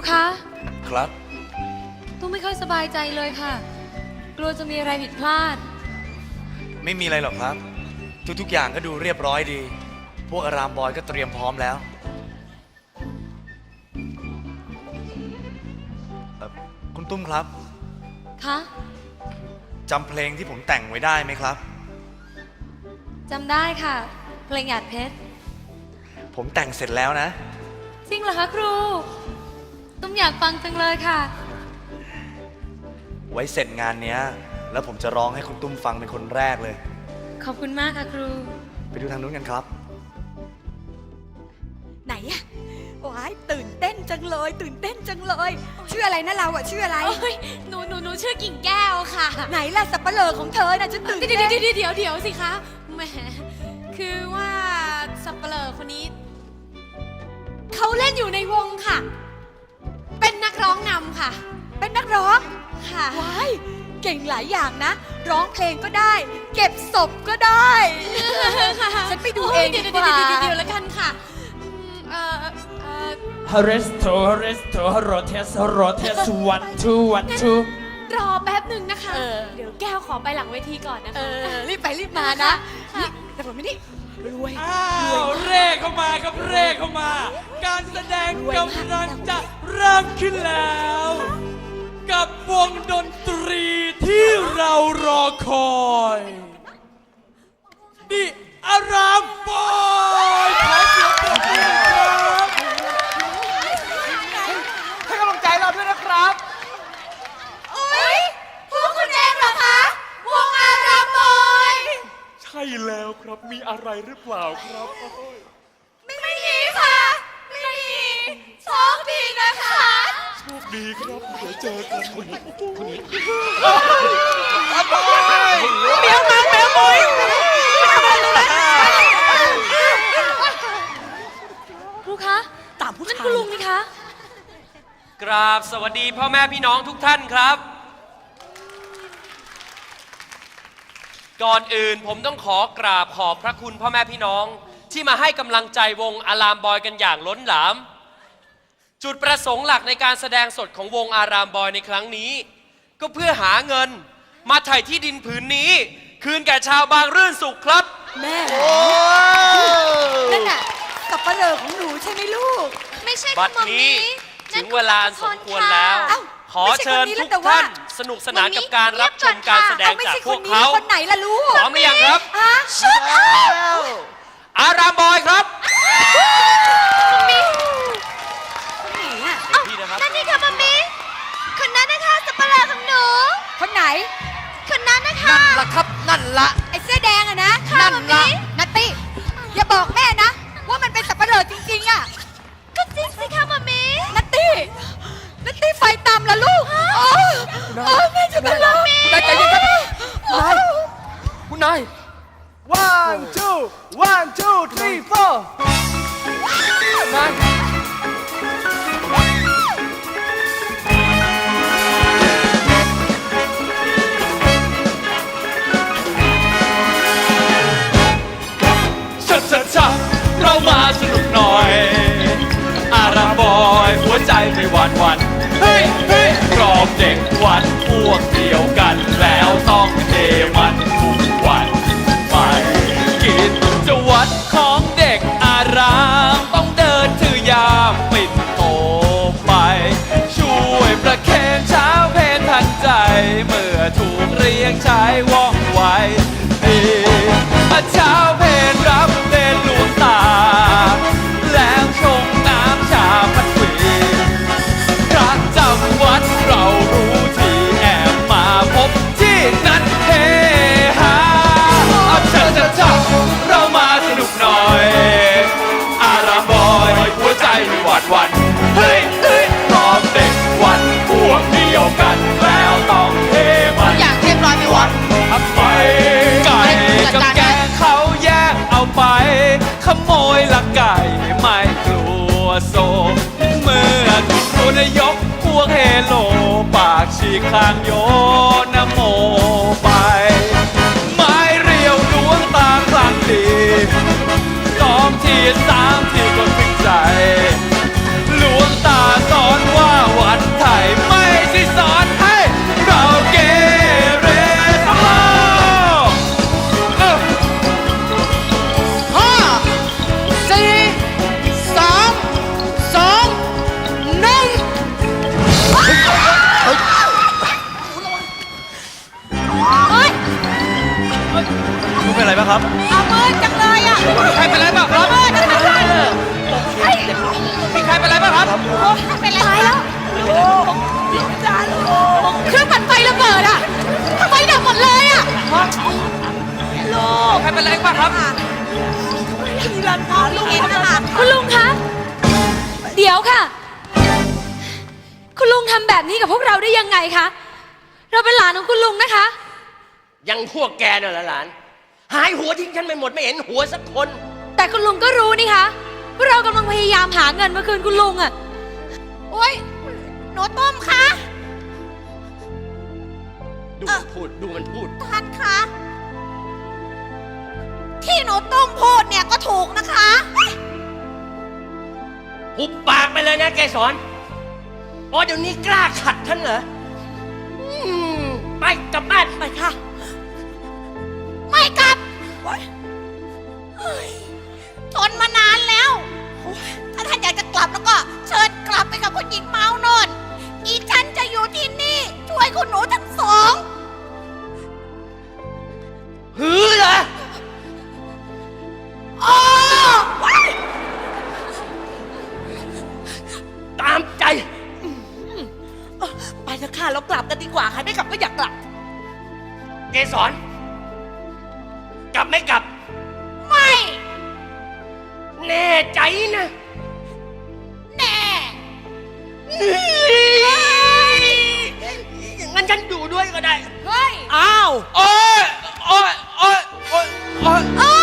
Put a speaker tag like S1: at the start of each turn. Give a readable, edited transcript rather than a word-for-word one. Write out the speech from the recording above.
S1: คะ
S2: ครับ
S1: ตุ้มไม่ค่อยสบายใจเลยค่ะกลัวจะมีอะไรผิดพลาด
S2: ไม่มีอะไรหรอกครับทุกๆอย่างก็ดูเรียบร้อยดีพวกอารามบอยก็เตรียมพร้อมแล้วคุณตุ้มครับ
S1: คะ
S2: จำเพลงที่ผมแต่งไว้ได้ไหมครับ
S1: จำได้ค่ะเพลงหยาดเพชร
S2: ผมแต่งเสร็จแล้วนะ
S1: จริงเหรอคะครูตุ้มอยากฟังจังเลยค่ะ
S2: ไว้เสร็จงานเนี้ยแล้วผมจะร้องให้คุณตุ้มฟังเป็นคนแรกเลย
S1: ขอบคุณมากค่ะครู
S2: ไปดูทางนู้นกันครับ
S3: ไหนอะว้ายตื่นเต้นจังเลยตื่นเต้นจังเลยชื่ออะไรนะเราอะชื่ออะไร
S4: หนูชื่อกิ่งแก้วค่ะ
S3: ไหนล่ะสับปะเลอของเธอน่ะจะตื่นเต้น
S4: เดี๋ยวสิคะแหมคือว่าสับปะเลอคนนี้เขาเล่นอยู่ในวงค่ะเป็นนักร้องนำค่ะ
S3: เป็นนักร้อง
S4: ค่ะ
S3: ว้ายเก่งหลายอย่างนะร้องเพลงก็ได้เก็บศพก็ได้ ฉันไปดูเองดีกว่า
S4: เดี๋ยวแล้วกันค่ะ
S5: ฮาริสโตโรเทสone two
S4: รอแป๊บหนึ่งนะคะเดี๋ยวแก้วขอไปหลังเวทีก่อนนะคะ
S3: รีบไปรีบมานะแต่ผมไม่ได้รวย
S5: เร่เข้ามาครับเร่เข้ามาการแสดงกำลังจะเริ่มขึ้นแล้ว กับวงดนตรีที่เรารอคอยนี่อารามบอยขอเสียงปรบมือครับ
S6: ให้กำลังใจเราด้วยนะครับ
S3: โอ๊ยพวกคุณเองเหรอคะวงอารามบอย
S5: ใช่แล้วครับมีอะไรหรือเปล่าครับ
S3: ไม่มีค่ะไม่มีโชคดีนะคะ
S5: โชคดีครับเดี๋ยวเจอกันคนนี้
S3: เมียวมาเมียวมุ้ย
S1: ครูคะ
S3: ตามผู้ชาย
S1: นั่นคุณลุงนี่คะ
S7: กราบสวัสดีพ่อแม่พี่น้องทุกท่านครับก่อนอื่นผมต้องขอกราบขอบพระคุณพ่อแม่พี่น้องที่มาให้กำลังใจวงอารามบอยกันอย่างล้นหลามจุดประสงค์หลักในการแสดงสดของวงอารามบอยในครั้งนี้ก็เพื่อหาเงินมาไถ่ที่ดินผืนนี้คืนแก่ชาวบางรื่นสุขครับ
S3: แม่นั่นน่ะสับปะเลอของหนูใช่ไหมลูก
S4: ไม่ใช่
S7: บัดนี้ถึงเวลาสมควรแล้วขอเชิญทุกท่านสนุกสนานกับการรับชมการแสดงจากพวกเขา
S3: คนไหนล่ะลูก
S7: พร้อมหรือยังครับอารามบอยครับ
S4: นั่นนี่ค่ะมัมมี่คนนั้นนะคะสับปะเลอของหนู
S3: คนไหน
S4: คนนั้นนะคะ
S6: นั่นละครับนั่นละ
S3: ไอ้เสื้อแดงอะนะ
S6: นั่นละ
S3: นัตตี้อย่าบอกแม่นะว่ามันเป็นสับปะเลอจริงๆอะ
S4: ก็จริงสิคะมัมมี่
S3: นัตตี้ไฟตามละลูกแม่จะเป็นลม
S6: นายใจเย็นครับคุณนาย one two 3 4นาย
S5: ชัดเรามาสนุกหน่อยอารามบอยหัวใจไม่หวั่นเฮ้ยกรอบเด็กวันพวกเดียวกันแล้วต้องเดมันทุกวันไปกิจวัตรของเด็กอารามต้องเดินถือยามปิดโตไปช่วยประเคนเช้าเพลทันใจเมื่อถูกเรียกใช้ว่องไวเช้าเพลรับเล่นหลวงตาแล้วชงน้ำชาพัดวีพระจำวัดเรารู้ที่แอบมาพบที่นั้นเฮฮาชัดเรามาสนุกหน่อยอารามบอยหัวใจไม่หวั่นเฮ้ยพร้อมเด็กวันพวกเดียวกันแล้วต้องเฮมัน
S4: อย่างเรียบร้อยไม่หวั่น
S5: ทำไมไก่กับแกงเขาแยกเอาไปขโมยละไก่ไม่กลัวโซเมื่อตัวนายกพวกเฮโลปากฉีกคางโยนโมไปไม้เรียวดวงตาคลั่งดี2 ที 3 ทีก็ถึงใจหลวงตาสอนว่า
S2: ครับ
S3: เอามือจังเลยอ่ะ
S7: ใครเป็นไรบ้างครับ
S3: มือจังเลย
S7: มีใครเป็นไรบ้างครับ
S3: เป็นไรตายแล้วจ้าลูกเครื่องปั่นไฟระเบิดอ่ะไฟดับหมดเลยอ่ะลูก
S7: ใครเป็นไรบ้างครับ
S3: ที่ร้านค้าลูกเองนะคะ
S1: คุณลุงคะ เดี๋ยวค่ะ คุณลุงทำแบบนี้กับพวกเราได้ยังไงคะ เราเป็นหลานของคุณลุงนะคะ
S8: ยังพวกแกน่ะเหรอหลาน หายหัวทิ้งฉันไปหมดไม่เห็นหัวสักคน
S1: แต่คุณลุงก็รู้นี่คะว่าเรากำลังพยายามหาเงินมาคืนคุณลุงอะ
S3: โอ๊ยหนูต้มคะ
S8: ดูมันพูดดูมันพูด
S3: ท่านคะที่หนูต้มพูดเนี่ยก็ถูกนะคะ
S8: หุบปากไปเลยนะแกสอนอ๋อเดี๋ยวนี้กล้าขัดท่านเหรอไปกลับบ้าน
S3: ไปค่ะ ไม่กลับทนมานานแล้ว ถ้าท่านอยากจะกลับแล้วก็เชิญกลับไปกับคุณหญิงเมาโนนอีฉันจะอยู่ที่นี่ ช่วยคุณหนูทั้งสอง
S8: หือเหรอ
S3: อ๋อว้าย
S8: ตามใจ
S3: ไปเถอะค่ะเรากลับกันดีกว่าใครไม่กลับก็อยากกลับ
S8: เกสรกลับไม่กลับ
S3: ไม่
S8: แน่ใจนะ
S3: แน่
S8: อย่างนั้นฉันอยู่ด้วยก็ได้
S3: เฮ้ย
S6: อ้าว
S7: โอ๊ย โอ๊ย โอ๊ย โอ๊ย โอ๊ย
S3: เอ้